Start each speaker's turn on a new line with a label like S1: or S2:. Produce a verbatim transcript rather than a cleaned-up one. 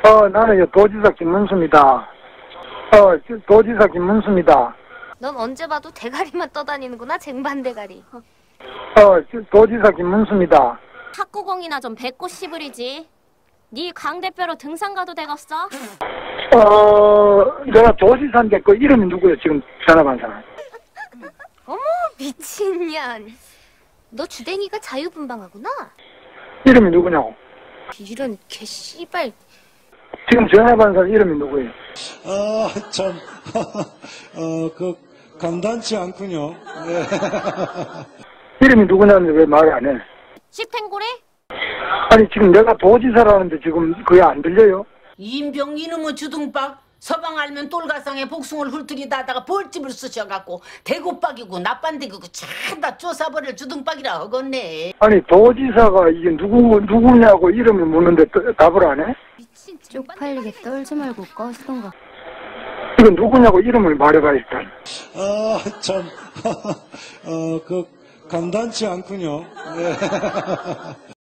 S1: 어, 나는 도지사 김문수입니다. 어, 도지사 김문수입니다.
S2: 넌 언제 봐도 대가리만 떠다니는구나, 쟁반대가리.
S1: 어, 도지사 김문수입니다.
S3: 탁구공이나 좀 뱉고 씹으리지. 네 강 대표로 등산 가도 되겠어?
S1: 어, 내가 도지사인데 그 이름이 누구예요, 지금 전화 받은 사람?
S2: 어머, 미친년. 너 주댕이가 자유분방하구나?
S1: 이름이 누구냐고?
S2: 이런 개 씨발.
S1: 지금 전화 받은 사람 이름이 누구예요?
S4: 아, 참, 어, 그, 감단치 않군요. 네.
S1: 이름이 누구냐는데 왜 말을 안 해?
S3: 식탱고래?
S1: 아니, 지금 내가 도지사라는데 지금 그게 안 들려요?
S5: 임병 이놈의 주둥박 서방 알면 똘가상에 복숭을 훑으리다 하다가 벌집을 쑤셔갖고 대구박이고 나빤데기고 참다 쪼사버릴 주둥박이라 허겄네.
S1: 아니, 도지사가 이게 누구, 누구냐고 이름을 묻는데 또 답을 안 해?
S2: 미친
S3: 쪽팔리게 떨지 말고 꺼시던가.
S1: 이건 누구냐고 이름을 말해봐, 일단.
S4: 아, 참, 어, 그, 감단치 않군요. 네.